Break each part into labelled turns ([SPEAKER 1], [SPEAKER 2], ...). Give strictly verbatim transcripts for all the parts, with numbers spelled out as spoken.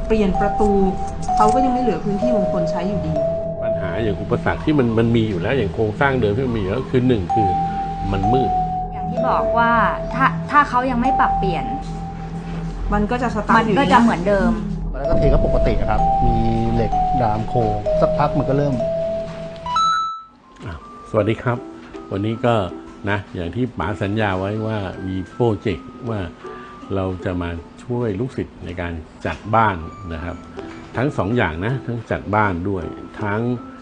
[SPEAKER 1] เปลี่ยนประตูเขาก็ยังไม่เหลือพื้นที่มงคลใช้อยู่ดี
[SPEAKER 2] ปัญหาอย่างอุปสรรคที่มันมันมีอยู่แล้วอย่างโครงสร้างเดิมที่มันมีอยู่แล้วคือหนึ่งคือมันมืด
[SPEAKER 3] อย่างที่บอกว่าถ้าถ้าเขายังไม่ปรับเปลี่ยน
[SPEAKER 1] มันก็จะสตาร์ทอยู่
[SPEAKER 3] มันก็จะเหมือนเดิม
[SPEAKER 4] แล้วก็เทก็ปกติครับมีเหล็กดามโครงสักพักมันก็เริ่ม
[SPEAKER 2] สวัสดีครับวันนี้ก็นะอย่างที่ป๋าสัญญาไว้ว่ามีโปรเจกต์ว่าเราจะมาช่วยลูกศิษย์ในการจัดบ้านนะครับทั้งสองอย่างนะทั้งจัดบ้านด้วยทั้ง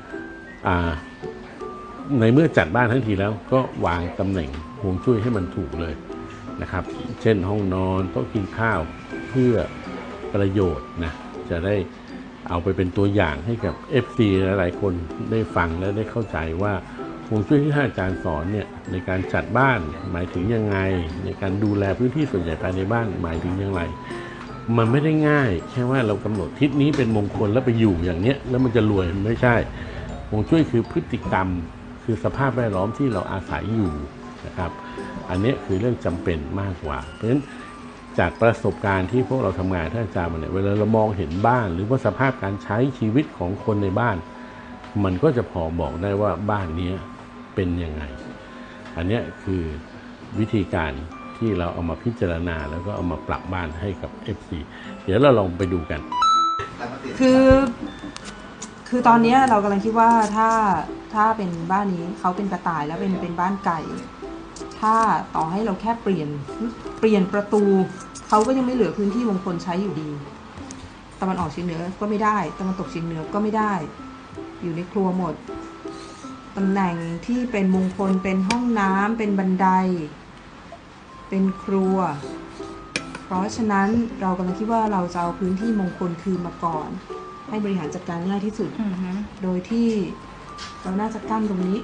[SPEAKER 2] ในเมื่อจัดบ้านทั้งทีแล้วก็วางตำแหน่งฮวงจุ้ยให้มันถูกเลยนะครับเช่นห้องนอนโต๊ะกินข้าวเพื่อประโยชน์นะจะได้เอาไปเป็นตัวอย่างให้กับ เอฟ ซี หลายๆคนได้ฟังและได้เข้าใจว่าฮวงจุ้ยที่ท่านอาจารย์สอนเนี่ยในการจัดบ้านหมายถึงยังไงในการดูแลพื้นที่ส่วนใหญ่ภายในบ้านหมายถึงอย่างไรมันไม่ได้ง่ายแค่ว่าเรากำหนดทิศนี้เป็นมงคลแล้วไปอยู่อย่างเนี้ยแล้วมันจะรวยไม่ใช่ฮวงจุ้ยคือพฤติกรรมคือสภาพแวดล้อมที่เราอาศัยอยู่นะครับอันนี้คือเรื่องจำเป็นมากกว่าเพราะฉะนั้นจากประสบการณ์ที่พวกเราทำงานท่านอาจารย์มาเนี่ยเวลาเรามองเห็นบ้านหรือว่าสภาพการใช้ชีวิตของคนในบ้านมันก็จะพอบอกได้ว่าบ้านนี้เป็นยังไงอันนี้คือวิธีการที่เราเอามาพิจารณาแล้วก็เอามาปรับบ้านให้กับ เอฟ ซี เดี๋ยวเราลองไปดูกัน
[SPEAKER 1] คือคือตอนนี้เรากำลังคิดว่าถ้าถ้าเป็นบ้านนี้เขาเป็นกระต่ายแล้วเป็นเป็นบ้านไก่ถ้าต่อให้เราแค่เปลี่ยนเปลี่ยนประตูเขาก็ยังไม่เหลือพื้นที่มงคลใช้อยู่ดีตะวันออกเฉียงเหนือก็ไม่ได้ตะวันตกเฉียงเหนือก็ไม่ได้อยู่ในครัวหมดตำแหน่งที่เป็นมงคลเป็นห้องน้ำเป็นบันไดเป็นครัวเพราะฉะนั้นเรากำลังคิดว่าเราจะเอาพื้นที่มงคลคืนมาก่อนให้บริหารจัดการง่ายที่สุด uh-huh. โดยที่เราน่าจะกั้นตรงนี้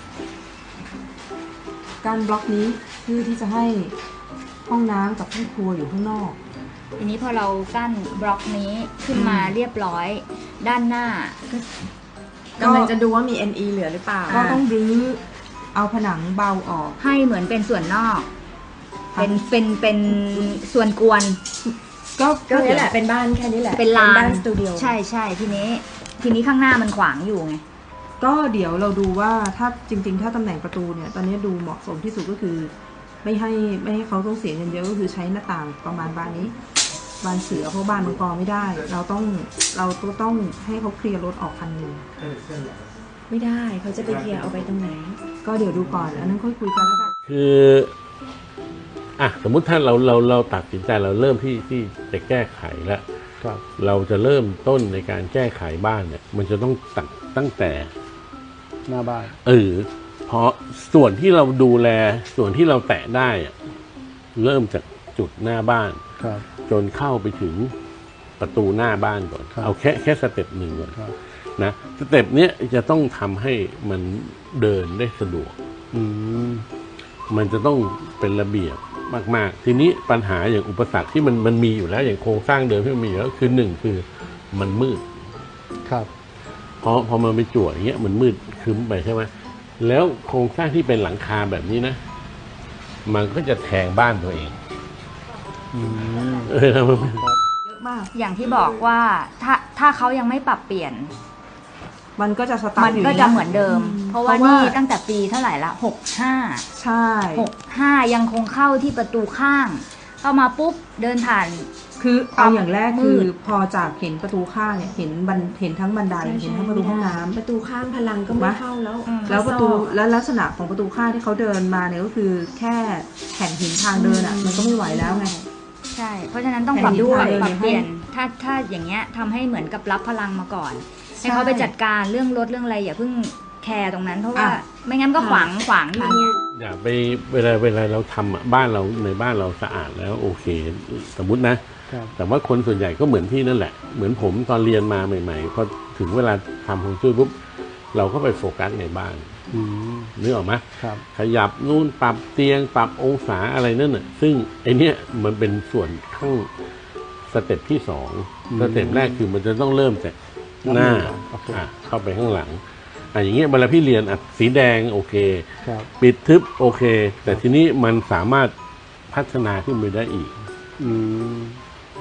[SPEAKER 1] กั้นบล็อกนี้เพื่อที่จะให้ห้องน้ำกับห้องครัวอยู่ข้างนอก
[SPEAKER 3] ทีนี้พอเรากั้นบล็อกนี้ขึ้นมาเรียบร้อยด้านหน้า
[SPEAKER 5] ก็กำลังจะดูว่ามี เอ็น อี เหลือหรือเปล่า
[SPEAKER 1] ก็ต้องรื้อเอาผนังเบาออก
[SPEAKER 3] ให้เหมือนเป็นส่วนนอกเป็นเป็นเป็นส่วนกวน
[SPEAKER 5] ก็ก็นี่แหละเป็นบ้านแค่นี้แหละ
[SPEAKER 3] เป็นลาน
[SPEAKER 5] สตูดิโอ
[SPEAKER 3] ใช่ใช่ทีนี้ทีนี้ข้างหน้ามันขวางอยู่ไง
[SPEAKER 1] ก็เดี๋ยวเราดูว่าถ้าจริงๆถ้าตำแหน่งประตูเนี่ยตอนนี้ดูเหมาะสมที่สุดก็คือไม่ให้ไม่ให้เขาต้องเสียเงินเยอะก็คือใช้หน้าต่างประมาณบานนี้บานเสือเพราะบ้านมังกรไม่ได้เราต้องเราต้องให้เขาเคลียร์รถออกคันหนึ่ง
[SPEAKER 5] ไม่ได้เขาจะไปเคลียร์เอาไปตรงไหน
[SPEAKER 1] ก็เดี๋ยวดูก่อนอันนั้นค่อยคุยกันแล้วกัน
[SPEAKER 2] คืออ่ะสมมุติถ้าเราเราเราตัดสินใจเราเริ่มที่ที่จะแก้ไขแล้วเราจะเริ่มต้นในการแก้ไขบ้านเนี่ยมันจะต้องตัดตั้งแต่
[SPEAKER 4] หน้าบ้าน
[SPEAKER 2] เออเพราะส่วนที่เราดูแลส่วนที่เราแตะได้เริ่มจากจุดหน้าบ้านจนเข้าไปถึงประตูหน้าบ้านก่อนเอาแค่แค่สเต็ปหนึ่งก่อนนะสเต็ปเนี้ยจะต้องทำให้มันเดินได้สะดวกมันจะต้องเป็นระเบียบมากๆทีนี้ปัญหาอย่างอุปสรรคที่มันมันมีอยู่แล้วอย่างโครงสร้างเดิมที่มันมีอยู่แล้วคือหนึ่งคือมันมืด
[SPEAKER 4] ครับ
[SPEAKER 2] พอพอมันไปจั่วอย่างเงี้ยมันมืดครึ้มไปใช่ไหมแล้วโครงสร้างที่เป็นหลังคาแบบนี้นะมันก็จะแทงบ้านตัวเอง
[SPEAKER 1] เออเยอะมาก
[SPEAKER 3] อย่างที่บอกว่าถ้าถ้าเขายังไม่ปรับเปลี่ยน
[SPEAKER 1] มันก็จะสตาร์ทอยู่
[SPEAKER 3] มันก็จะเหมือนเดิมเพราะว่านี่ตั้งแต่ปีเท่าไหร่ละหกห้า
[SPEAKER 1] ใช่
[SPEAKER 3] หกห้ายังคงเข้าที่ประตูข้างเข้ามาปุ๊บเดินผ่าน
[SPEAKER 1] คือเอาอย่างแรกคือพอจากเห็นประตูข้างเนี่ยเห็นบันเห็นทั้งบันไดเห็นทั้งประตูห้องน้ำ
[SPEAKER 5] ประตูข้างพลังก็ไม่เข้าแล้ว
[SPEAKER 1] แล้วประตูแล้วลักษณะของประตูข้างที่เขาเดินมาเนี่ยก็คือแค่แผ่นหินทางเดินอ่ะมันก็ไม่ไหวแล้วไง
[SPEAKER 3] ใช่เพราะฉะนั้นต้องปรับด้วยปรับเปลี่ยนถ้าถ้าอย่างเงี้ยทำให้เหมือนกับรับพลังมาก่อนให้เขาไปจัดการเรื่องรถเรื่องอะไรอย่าเพิ่งแคร์ตรงนั้นเพราะว่าไม่งั้นก็ขวางขวางอย่างเงี้ย
[SPEAKER 2] อย่าไปเวลาเวลาเราทำบ้านเราในบ้านเราสะอาดแล้วโอเคสมมุตินะแต่ว่าคนส่วนใหญ่ก็เหมือนพี่นั่นแหละเหมือนผมตอนเรียนมาใหม่ๆพอถึงเวลาทำฮวงจุ้ยปุ๊บเราก็ไปโฟกัสในบ้านนึกออกไหมขยับนู่นปรับเตียงปรับองศาอะไรนั่นน่ะซึ่งไอเนี้ยมันเป็นส่วนข้างสเต็ปที่สองสเต็ปแรกคือมันจะต้องเริ่มจากหน้าเข้าไปข้างหลังอ่ะอย่างเงี้ยเวลาพี่เรียนอ่ะสีแดงโอเคปิดทึบโอเคแต่ทีนี้มันสามารถพัฒนาขึ้นไปได้อีก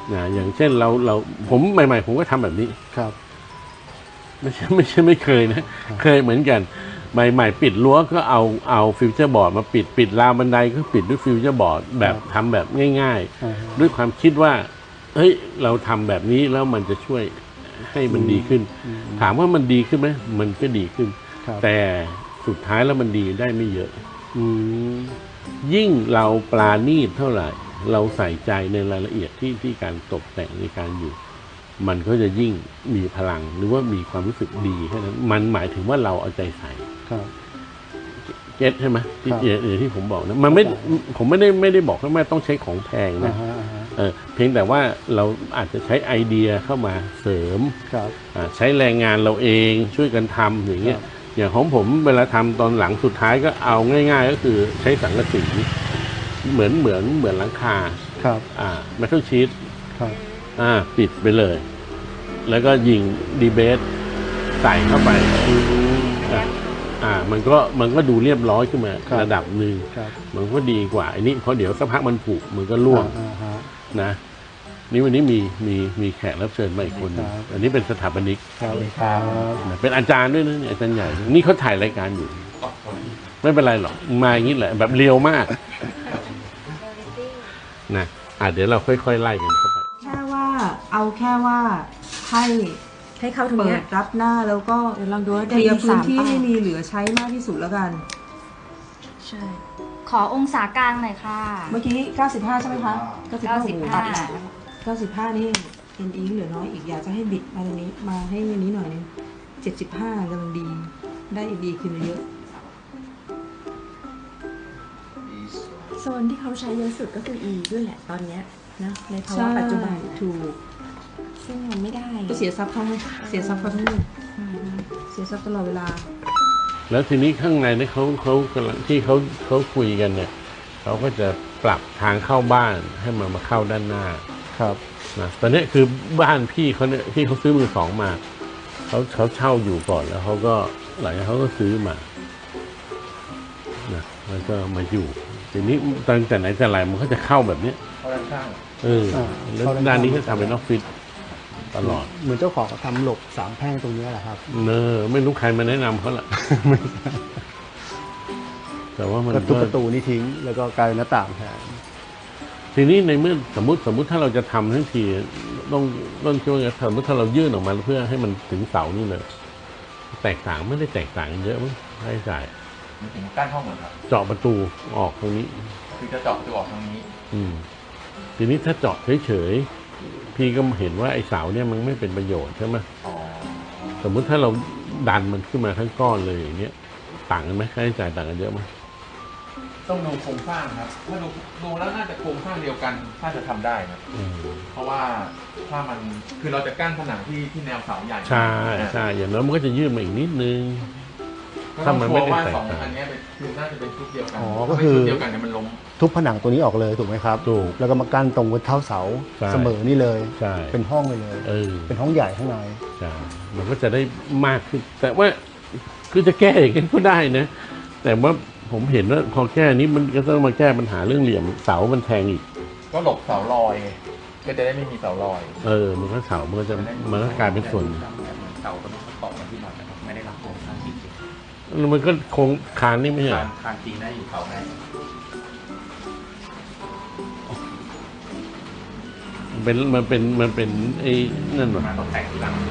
[SPEAKER 2] นะอย่างเช่นเราเราผมใหม่ๆผมก็ทำแบบนี้
[SPEAKER 4] ครับ
[SPEAKER 2] ไม่ใช่ไม่ใช่ไม่เคยนะ เคยเหมือนกันใหม่ๆปิดรั้วก็เอาเอาฟิวเจอร์บอร์ดมาปิดปิดราวบันไดก็ปิดด้วยฟิวเจอร์บอร์ดแบบทำแบบง่าย
[SPEAKER 4] อ่าฮะ
[SPEAKER 2] ๆ ด้วยความคิดว่าเฮ้ยเราทำแบบนี้แล้วมันจะช่วยให้มันดีขึ้น ถามว่ามันดีขึ้นไหมมันก็ดีขึ้น
[SPEAKER 4] ครับ
[SPEAKER 2] แต่สุดท้ายแล้วมันดีได้ไม่เยอะ
[SPEAKER 4] อืม
[SPEAKER 2] ยิ่งเราปราณีตเท่าไหร่ เราใส่ใจในรายละเอียดที่ที่การตกแต่งในการอยู่ มันก็จะยิ่งมีพลังหรือว่ามีความรู้สึกดีแค่นั้นมันหมายถึงว่าเราเอาใจใส่
[SPEAKER 4] ครับ
[SPEAKER 2] เก็ตใช่ไหมที่
[SPEAKER 4] ครับ
[SPEAKER 2] อย่างที่ผมบอกนะมันไม่ผมไม่ได้ไม่ได้บอกว่าแม่ต้องใช้ของแพง
[SPEAKER 4] อ่า
[SPEAKER 2] นะ
[SPEAKER 4] ฮะอ่าฮะ
[SPEAKER 2] เออเพียงแต่ว่าเราอาจจะใช้ไอเดียเข้ามาเสริม
[SPEAKER 4] ครับ
[SPEAKER 2] อ่าใช้แรงงานเราเองช่วยกันทำอย่างเงี้ย
[SPEAKER 4] ครับ
[SPEAKER 2] อย่างของผมเวลาทำตอนหลังสุดท้ายก็เอาง่าย ๆ ก็คือใช้สังกะสีเหมือนเหมือนเหมือนหลังคา
[SPEAKER 4] ครับ
[SPEAKER 2] อ่าเมทัลชีต
[SPEAKER 4] ครับ
[SPEAKER 2] อ่าปิดไปเลย แล้วก็ยิงดีเบสใส่เข้าไปอ่าอ่ามันก็มันก็ดูเรียบร้อยขึ้นมาระดับหนึ่ง
[SPEAKER 4] ครับ
[SPEAKER 2] มันก็ดีกว่าอันนี้เพราะเดี๋ยวสักพักมันผุมันก็ร่วง
[SPEAKER 4] อ่าฮะ
[SPEAKER 2] นะนี่วันนี้มีมีมีแขกรับเชิญมาอีกคนหนึ่ง
[SPEAKER 4] ครับ
[SPEAKER 2] อันนี้เป็นสถาปนิก
[SPEAKER 4] ครับครับ
[SPEAKER 2] นะเป็นอาจารย์ด้วยนะเนี่ยอาจารย์ใหญ่นี่เขาถ่ายรายการอยู่ ไม่เป็นไรหรอกมาอย่างนี้แหละแบบเร็วมากนะอ่ะเดี๋ยวเราค่อยๆไล่กันเข้าไป
[SPEAKER 1] แค่ว่าเอาแค่ว่าให้
[SPEAKER 5] ให้เข้าตรง
[SPEAKER 1] เปิ
[SPEAKER 5] เนี้
[SPEAKER 1] ด
[SPEAKER 5] ย
[SPEAKER 1] รับหน้าแล้วก็
[SPEAKER 5] เดี๋ยวลองดูว่า
[SPEAKER 1] เค
[SPEAKER 5] ได้
[SPEAKER 1] ลียร์
[SPEAKER 5] อีก
[SPEAKER 1] พื้
[SPEAKER 5] สาน ม
[SPEAKER 1] ที่
[SPEAKER 5] เป้า
[SPEAKER 1] ให้มีเหลือใช้มากที่สุดแล้วกัน
[SPEAKER 5] ใช่
[SPEAKER 3] ขอองศากลางหน่อยค่ะ
[SPEAKER 1] เมื่อกี้เก้าสิบห้าใช่ไหมคะเก้าสิบห้า
[SPEAKER 3] เก้าสิบห้า
[SPEAKER 1] เก้าสิบห้านี่เอ็นอีเหลือน้อยอีกอยากจะให้บิดมาตรงนี้มาให้อันนี้หน่อยนึงเจ็ดสิบห้ากำลังดีได้เอ็นอีขึ้นมาเยอะ
[SPEAKER 5] โซนที่เขาใช้เยอะสุดก็คือ E ด้วยแหละตอนเนี้ยนะในภาวะปัจจุบัน
[SPEAKER 1] ถูก
[SPEAKER 5] ซึ่งมันไม่ได้
[SPEAKER 1] ก็เสียทรัพย์เขาเสียทรัพย์เขาทั้งหมดเสียทรัพย์ตลอดเวลา
[SPEAKER 2] แล้วทีนี้ข้างในเนี่ยเขาเขากำลังที่เขาเขาคุยกันเนี่ยเขาก็จะปรับทางเข้าบ้านให้มันมาเข้าด้านหน้า
[SPEAKER 4] ครับ
[SPEAKER 2] นะตอนนี้คือบ้านพี่เขาเนี่ยพี่เขาซื้อมือสองมาเขาเขาเช่าอยู่ก่อนแล้วเขาก็หลังจากเขาก็ซื้อมานะแล้วก็มาอยู่ทีนี้ตั้งแต่ไหนแต่ไรมันก็จะเข้าแบบเนี้ย
[SPEAKER 6] เข้าด้านข้าง
[SPEAKER 2] เออแล้วด้านนี้ก็ทำเป็นออฟฟิศตลอด
[SPEAKER 4] เหมือนเจ้าของเขาทำหลบสามแพร่งตรงนี้แหละครับ
[SPEAKER 2] เนอไม่รู้ใครมาแนะนำเขาละ แต่ว่ามัน
[SPEAKER 4] ก็ทุบ
[SPEAKER 2] ก็
[SPEAKER 4] ประตูนี่ทิ้ง แล้วก็กลายเป็นหน้าต่างแทน
[SPEAKER 2] ทีนี้ในเมื่อสมมติสมมติถ้าเราจะทำทั้งทีต้องต้องคิดว่าไงสมมติถ้าเรายื่นออกมาเพื่อให้มันถึงเสานี่เลยแตกต่างไม่ได้แตกต่างกันเยอะมั้งค่าใช้จ่าย
[SPEAKER 6] มันถึงกั้นห้องเหมือนครับ
[SPEAKER 2] เจาะประตูออกตรงนี้
[SPEAKER 6] คือจะเจาะประตูออกทางนี้
[SPEAKER 2] อืมทีนี้ถ้าเจาะเฉยๆพี่ก็เห็นว่าไอ้เสาเนี่ยมันไม่เป็นประโยชน์ใช่ไหม
[SPEAKER 6] อ๋อ
[SPEAKER 2] สมมุติถ้าเราดันมันขึ้นมาทั้งก้อนเลยอย่างเงี้ยต่างกันไหมค่าใช้จ่ายต่างกันเยอะไหม
[SPEAKER 6] ต้องดูโครงสร้างครับ ถ้าดูดูแล้วน่าจะโครงสร้างเดียวกันถ้าจะทำได้ครับ
[SPEAKER 2] อืม
[SPEAKER 6] เพราะว่าถ้ามันคือเราจะกั้นผนังที่ที่แนวเสาใหญ่
[SPEAKER 2] ใช่ใช่อย่างนั้นมันก็จะยืดมาอีกนิดนึง
[SPEAKER 6] ก็
[SPEAKER 2] ถ้า
[SPEAKER 6] ต้อง
[SPEAKER 2] มัน
[SPEAKER 6] ชั
[SPEAKER 2] ไม่
[SPEAKER 6] วร์
[SPEAKER 2] ได้
[SPEAKER 6] ว่า
[SPEAKER 2] แตก
[SPEAKER 6] สอง
[SPEAKER 2] ต่าง
[SPEAKER 6] อันเนี้ยเป็นคือน่าจะเป็นชุดเดียวกัน
[SPEAKER 4] อ๋อ
[SPEAKER 6] ถ้า
[SPEAKER 4] ก็
[SPEAKER 6] ไม่
[SPEAKER 4] คือ
[SPEAKER 6] ชุดเดียวกันเนี่ยมันล้ม
[SPEAKER 4] ทุบผนังตัวนี้ออกเลยถูกไหมครับ
[SPEAKER 2] ถูก
[SPEAKER 4] แล้วก็มากั้นตรงบนเท้าเสา
[SPEAKER 2] ใช่
[SPEAKER 4] เสมอนี่เลย
[SPEAKER 2] ใช่
[SPEAKER 4] เป็นห้องไปเลย
[SPEAKER 2] เออ
[SPEAKER 4] เป็นห้องใหญ่ข้างใน
[SPEAKER 2] ใช่มันก็จะได้มากขึ้น แต่ว่าคือจะแก้อย่างนี้ก็ได้นะ แต่ว่าผมเห็นว่าพอแก้นี้มันก็ต้องมาแก้ปัญหาเรื่องเหลี่ยมเสามันแทงอีก
[SPEAKER 6] ก็หลบเสาลอยไงก็จะได้ไม่มีเสาลอย
[SPEAKER 2] เออ มันก็เสามันก็จะมันก็กลายเป็นส่วน
[SPEAKER 6] เสาก็ต้องตอกมาที่หน่อยนะครับไม่ได้รับโครงสร้างจริง
[SPEAKER 2] แล้วมันก็โครงคานนี่ไม่ใช่
[SPEAKER 6] ๆ
[SPEAKER 2] เหร
[SPEAKER 6] คา
[SPEAKER 2] อน
[SPEAKER 6] คานจริงได้อยู่เสาไหน
[SPEAKER 2] เป็นมันเป็นมันเป็นไอ้นั่นหรอ
[SPEAKER 6] มาต้องแต่งทีหลัง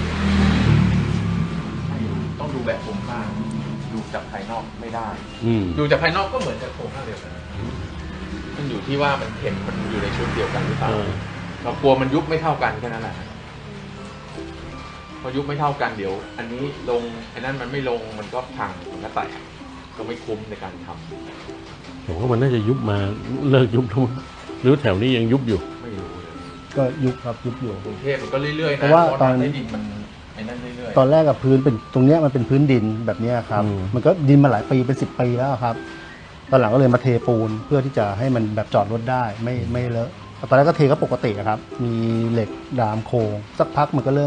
[SPEAKER 6] ต้องดูแบบโครงสร้างดูจากภายนอกไม่ได้
[SPEAKER 2] อืม
[SPEAKER 6] ดูจากภายนอกก็เหมือนกับโครงสร้างเดียวกันมันอยู่ที่ว่ามันเข็มมันอยู่ในชุดเดียวกันหรือเปล่า
[SPEAKER 2] เออ
[SPEAKER 6] เรากลัวมันยุบไม่เท่ากันแค่นั้นแหละพอยุบไม่เท่ากันเดี๋ยว อันนี้ลงไอ้นั่นมันไม่ลงมันก็พังมันก็แตกก็ไม่คุ้มในการทำ
[SPEAKER 2] ผมว่ามันน่าจะยุบมาเลิกยุบแล้วมั้งหรือแถวนี้ยังยุบอยู่
[SPEAKER 6] ไม่รู้เลย
[SPEAKER 4] ก็ยุบครับยุบอยู่
[SPEAKER 6] กรุงเทพมันก็เรื่อยๆนะ
[SPEAKER 4] เพราะว่าตอน
[SPEAKER 6] ใต้ดินมันไอ้นั่นเรื่อยๆ
[SPEAKER 4] ตอนแรกกับพื้นเป็นตรงเนี้ยมันเป็นพื้นดินแบบเนี้ยครับ
[SPEAKER 2] อืม
[SPEAKER 4] มันก็ดินมาหลายปีเป็นสิบปีแล้วครับ ตอนหลังก็เลยมาเทปูนเพื่อที่จะให้มันแบบจอดรถได้ไม่ไม่เลอะตอนแรกก็เทก็ปกติอะครับ มีเหล็กดามโครงสักพักมันก็เริ่ม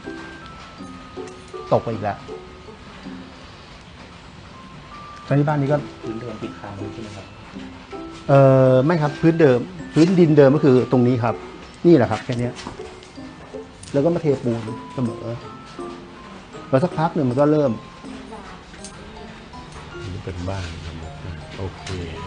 [SPEAKER 4] ตกไปอีกแล้วตอนนี้บ้านนี้ก็
[SPEAKER 6] พื้นเดิมติดค้างใช่ไหมครับ
[SPEAKER 4] เออไม่ครับพื้นเดิม พื้นดินเดิมก็คือตรงนี้ครับนี่แหละครับแค่เนี้ยแล้วก็มาเทปูนเสมอแล้วสักพักหนึ่งมันก็เริ่ม
[SPEAKER 2] นี่เป็นบ้านธรรมชาติโอเค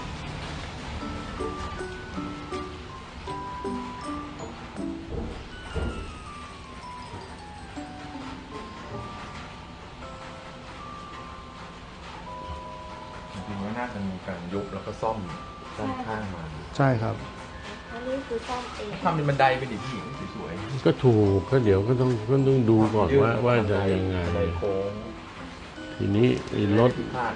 [SPEAKER 6] จริงๆว่าน่าจะมีการยุบแล้วก็ซ่อมด้านข้างมา
[SPEAKER 4] ใช่ครับ
[SPEAKER 5] อันนี้คือซ่อมเอง
[SPEAKER 6] ทำเป็นบันไดเป็นดิผู้หญิงสวย
[SPEAKER 2] ก็ถูกก็เดี๋ยวก็ต้องก็ต้องดูก่อน
[SPEAKER 6] ยื่น
[SPEAKER 2] ว่าว่าจะยังไง
[SPEAKER 6] บันไดโค้ง
[SPEAKER 2] ทีนี้ไอ้รถ
[SPEAKER 6] พลาด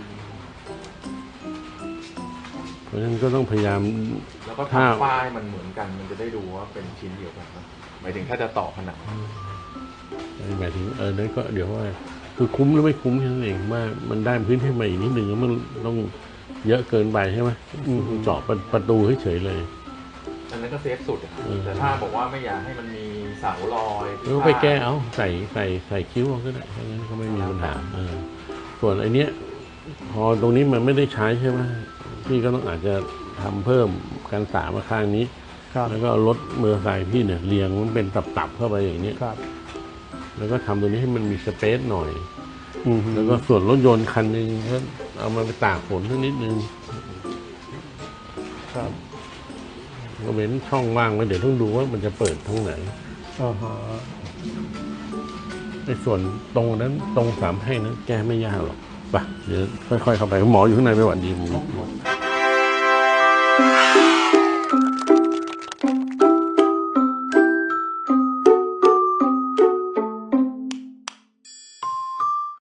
[SPEAKER 2] เพราะฉะนั้นก็ต้องพยายาม
[SPEAKER 6] แล้วก็
[SPEAKER 2] ถ้า
[SPEAKER 6] ทำป้ายมันเหมือนกันมันจะได้ดูว่าเป็นชิ้นเดียวกันนะหมายถึงถ้าจะต่อผนัง
[SPEAKER 2] หมายถึงเออนั่นก็เดี๋ยวว่าคือคุ้มหรือไม่คุ้มแค่นั้นเองว่ามันได้พื้นที่มาอีกนิดหนึ่งแล้วมันต้องเยอะเกินไปใช่ไหม
[SPEAKER 4] อืม
[SPEAKER 2] เจาะประประตูเฉยๆเลย
[SPEAKER 6] อันนั้นก็เซฟสุดอะ
[SPEAKER 2] เออ
[SPEAKER 6] แต่ถ้าบอกว่าไม่อยากให้มันมีเสาลอย
[SPEAKER 2] แล้วไปแก้เอาใส่ใส่ใส่คิ้วเอาก็ได้เพราะงั้นก็ไม่มีปัญหาเออส่วนไอเนี้ยพอตรงนี้มันไม่ได้ใช้ใช่ไหมพี่ก็ต้องอาจจะทำเพิ่มกันสามมาข้างนี้
[SPEAKER 4] ครับ
[SPEAKER 2] แล้วก็เอารถเมอร์ไซค์พี่เนี่ยเรียงมันเป็นตับๆเข้าไปอย่างเนี้ย
[SPEAKER 4] ครับ
[SPEAKER 2] แล้วก็ทำตรงนี้ให้มันมีสเปซหน่อย
[SPEAKER 4] อืม
[SPEAKER 2] แล้วก็ส่วนรถยนต์คันหนึ่งก็เอามาไปตากฝนสักนิดนึง
[SPEAKER 4] ครับ
[SPEAKER 2] ก็เว้นช่องว่างไว้เดี๋ยวต้องดูว่ามันจะเปิดทางไหน
[SPEAKER 4] อ่าฮะ
[SPEAKER 2] ในส่วนตรงนั้นตรงสามแพร่งนั้นแก้ไม่ยากหรอกไปเดี๋ยวค่อยๆเข้าไปหมออยู่ข้างในไม่หวัดดีมึง